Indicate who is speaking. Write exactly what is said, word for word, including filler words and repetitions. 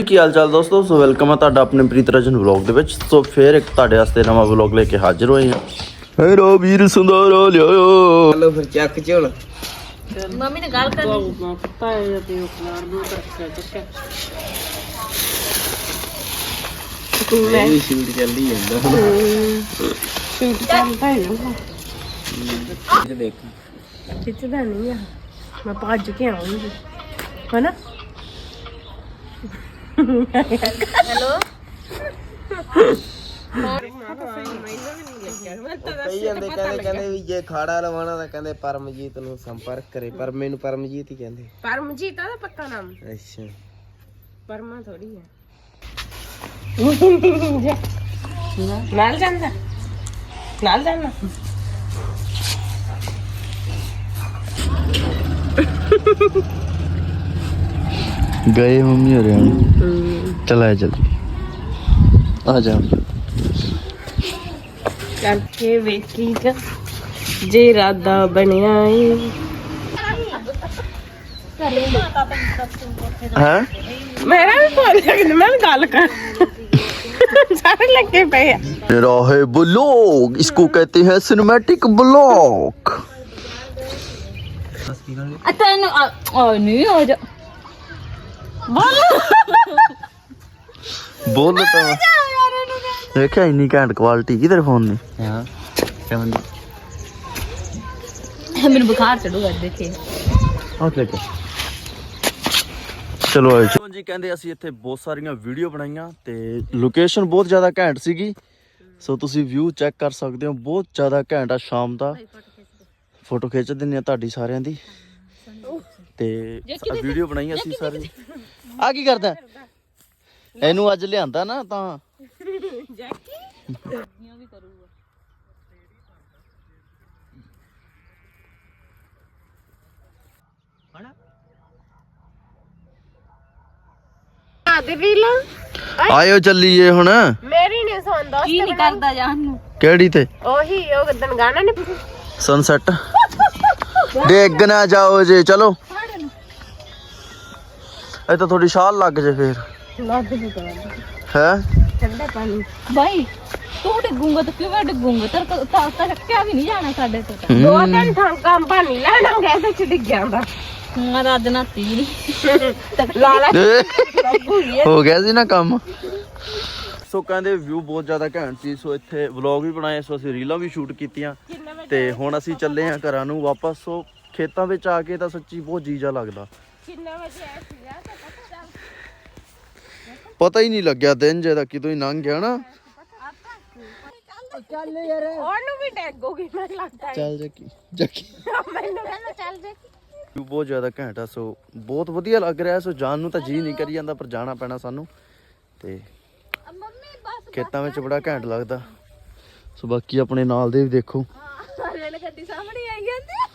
Speaker 1: ਕੀ ਹਾਲ ਚਾਲ ਦੋਸਤੋ। ਸੋ ਵੈਲਕਮ ਹੈ ਤੁਹਾਡਾ ਆਪਣੇ ਪ੍ਰੀਤ ਰਜਨ ਵਲੌਗ ਦੇ ਵਿੱਚ। ਸੋ ਫੇਰ ਇੱਕ ਤੁਹਾਡੇ ਵਾਸਤੇ ਨਵਾਂ ਵਲੌਗ ਲੈ ਕੇ ਹਾਜ਼ਰ ਹੋਏ ਹਾਂ। ਹੈਰੋ ਵੀਰ ਸੁੰਦਰਾ ਲਿਆਓ।
Speaker 2: ਚਲੋ ਫਿਰ ਚੱਕ ਝੋਲ।
Speaker 3: ਮੰਮੀ ਨੇ ਗੱਲ ਕਰਨੀ
Speaker 2: ਪਤਾ ਹੈ ਤੇ ਉਹ ਖਲਾਰ ਦੋ ਰੱਖਿਆ ਚੱਕਿਆ ਮੈਂ ਵੀ ਸ਼ੂਟ ਚੱਲਦੀ ਜਾਂਦਾ ਸ਼ੂਟ ਚੱਲਦਾ ਹੈ ਨਾ ਇਹ ਦੇਖ ਖਿੱਚਦਾ ਨਹੀਂ ਆ ਮੈਂ ਭੱਜ ਕੇ ਆਉਂਗੀ ਹਨਾ
Speaker 3: ਹੈਲੋ
Speaker 2: ਕਈ ਜਾਂਦੇ ਕਹਿੰਦੇ ਕਹਿੰਦੇ ਵੀ ਜੇ ਖਾੜਾ ਲਵਾਉਣਾ ਤਾਂ ਕਹਿੰਦੇ ਪਰਮਜੀਤ ਨੂੰ ਸੰਪਰਕ ਕਰੇ ਪਰ ਮੈਨੂੰ ਪਰਮਜੀਤ ਹੀ ਕਹਿੰਦੇ।
Speaker 4: ਪਰਮਜੀਤ ਆ ਪੱਕਾ ਨਾਮ।
Speaker 2: ਅੱਛਾ
Speaker 4: ਪਰਮਾ ਥੋੜੀ ਹੈ। ਨਾਲ ਜਾਂਦਾ ਨਾਲ ਜਾਣਾ
Speaker 1: ਗਏ ਮੰਮੀ ਹੋ ਰਹੇ ਚਲਾ ਜਲਦੀ ਆ ਜਾ
Speaker 4: ਕਰਕੇ ਵੇਖੀ ਕ ਜੇ ਇਰਾਦਾ ਬਣਿਆ ਏ
Speaker 1: ਹੈ
Speaker 4: ਮੇਰਾ ਵੀ ਫੋਨ ਲੱਗਦਾ ਮੈਂ ਵੀ ਗੱਲ ਕਰ ਸਾਰੇ ਲੱਗੇ ਪਏ ਆ।
Speaker 1: मेरा है ब्लॉग, इसको कहते हैं सिनेमैटिक ब्लॉग।
Speaker 3: ਤੈਨੂੰ ਆ ਨਹੀਂ ਹੋ ਜਾ
Speaker 1: बोल तो देखा इन्नी घैंट क्वालिटी किधर फोन ने।
Speaker 2: ਹਾਂ ਕਿਵੇਂ
Speaker 3: ਮੈਨੂੰ ਬੁਖਾਰ ਚੜੂਗਾ ਦੇਖੇ
Speaker 1: ਓਕੇ ਓਕੇ ਚਲੋ ਆਜੋ ਜੀ। ਕਹਿੰਦੇ ਅਸੀਂ ਇੱਥੇ ਬਹੁਤ ਸਾਰੀਆਂ ਵੀਡੀਓ ਬਣਾਈਆਂ ਤੇ ਲੋਕੇਸ਼ਨ ਬਹੁਤ ਜ਼ਿਆਦਾ ਘੈਂਟ ਸੀਗੀ। ਸੋ ਤੁਸੀਂ ਵਿਊ ਚੈੱਕ ਕਰ ਸਕਦੇ ਹੋ, ਬਹੁਤ ਜ਼ਿਆਦਾ ਘੈਂਟ ਆ ਸ਼ਾਮ ਦਾ। ਫੋਟੋ ਖਿੱਚ ਦਿੰਦੇ ਆ ਤੁਹਾਡੀ ਸਾਰਿਆਂ ਦੀ ਤੇ ਵੀਡੀਓ ਬਣਾਈ ਅਸੀਂ ਸਾਰੀ। ਆ ਕੀ ਕਰਦਾ ਇਹਨੂੰ ਅੱਜ ਲਿਆਂਦਾ ਨਾ ਤਾਂ ਆਇਓ ਚੱਲੀਏ ਹੁਣ।
Speaker 4: ਮੇਰੀ ਨਹੀਂ ਸੁਣਦਾ
Speaker 3: ਕੀ ਨਹੀਂ ਕਰਦਾ ਜਾਨ ਨੂੰ
Speaker 1: ਕਿਹੜੀ ਤੇ
Speaker 4: ਉਹੀ ਉਹ ਗਦਨ ਗਾਣਾ ਨੇ
Speaker 1: ਸਨਸੈਟ ਡੇਗ ਨਾ ਜਾਓ ਜੇ ਚਲੋ ਇਹ ਤਾਂ ਥੋੜੀ ਛਾਲ ਲੱਗ ਜੇ ਫੇਰ
Speaker 4: ਲੱਗ ਨਹੀਂ ਕਰਦਾ
Speaker 1: ਹੈ।
Speaker 4: ਠੰਡਾ ਪਾਣੀ
Speaker 3: ਬਾਈ ਤੂੰ ਡਿੱਗੂਗਾ ਤਾਂ ਕਿਵੇਂ ਡਿੱਗੂਗਾ ਤੇਰੇ ਕੋਲ ਤਾਂ ਤਾਂ ਰੱਖਿਆ ਵੀ ਨਹੀਂ ਜਾਣਾ ਸਾਡੇ ਤੋਂ ਤਾਂ
Speaker 4: ਦੋ ਦਿਨ ਥਾਂ ਕੰਮ ਪਾਣੀ ਲੈਣਾ ਗਏ ਤੇ ਡਿੱਗ ਜਾਂਦਾ
Speaker 3: ਮੈਂ ਰੱਜ ਨਾਤੀ ਨਹੀਂ
Speaker 4: ਲਾਲਾ
Speaker 1: ਹੋ ਗਿਆ ਸੀ ਨਾ ਕੰਮ। ਸੋ ਕਹਿੰਦੇ ਵਿਊ ਬਹੁਤ ਜ਼ਿਆਦਾ ਘੈਂਟ ਸੀ। ਸੋ ਇੱਥੇ ਵਲੌਗ ਵੀ ਬਣਾਏ, ਸੋ ਅਸੀਂ ਰੀਲਾਂ ਵੀ ਸ਼ੂਟ ਕੀਤੀਆਂ ਤੇ ਹੁਣ ਅਸੀਂ ਚੱਲੇ ਹਾਂ ਘਰਾਂ ਨੂੰ ਵਾਪਸ। ਸੋ ਖੇਤਾਂ ਵਿੱਚ ਆ ਕੇ ਤਾਂ ਸੱਚੀ ਬਹੁਤ ਜੀਜਾ ਲੱਗਦਾ।
Speaker 4: ਕਿੰਨਾ ਵਜੇ ਆਇਆ ਸੀਗਾ
Speaker 1: ਪਤਾ ਹੀ ਨਹੀਂ ਲੱਗਿਆ ਦਿਨ ਜਿਹਦਾ ਕਿਦੋਂ ਹੀ ਲੰਘ ਗਿਆ ਨਾ।
Speaker 4: ਚੱਲ ਯਾਰ ਉਹਨੂੰ ਵੀ ਡੈਗੋਗੀ ਮੈਨੂੰ ਲੱਗਦਾ
Speaker 1: ਚੱਲ ਜੱਕੀ ਜੱਕੀ
Speaker 4: ਮੈਨੂੰ ਕਹਿੰਦਾ ਚੱਲ ਜੇ
Speaker 1: ਵਿਊ ਬਹੁਤ ਜ਼ਿਆਦਾ ਘੈਂਟ ਆ। ਸੋ ਬਹੁਤ ਵਧੀਆ ਲੱਗ ਰਿਹਾ। ਸੋ ਜਾਣ ਨੂੰ ਤਾਂ ਜੀ ਨਹੀਂ ਕਰੀ ਜਾਂਦਾ ਪਰ ਜਾਣਾ ਪੈਣਾ ਸਾਨੂੰ ਤੇ ਖੇਤਾਂ ਵਿੱਚ ਬੜਾ ਘੈਂਟ ਲੱਗਦਾ। ਸੋ ਬਾਕੀ ਆਪਣੇ ਨਾਲ ਦੇ ਵੀ ਦੇਖੋ
Speaker 4: ਰੇਲ ਗੱਡੀ ਸਾਹਮਣੇ ਆਈ ਜਾਂਦੀ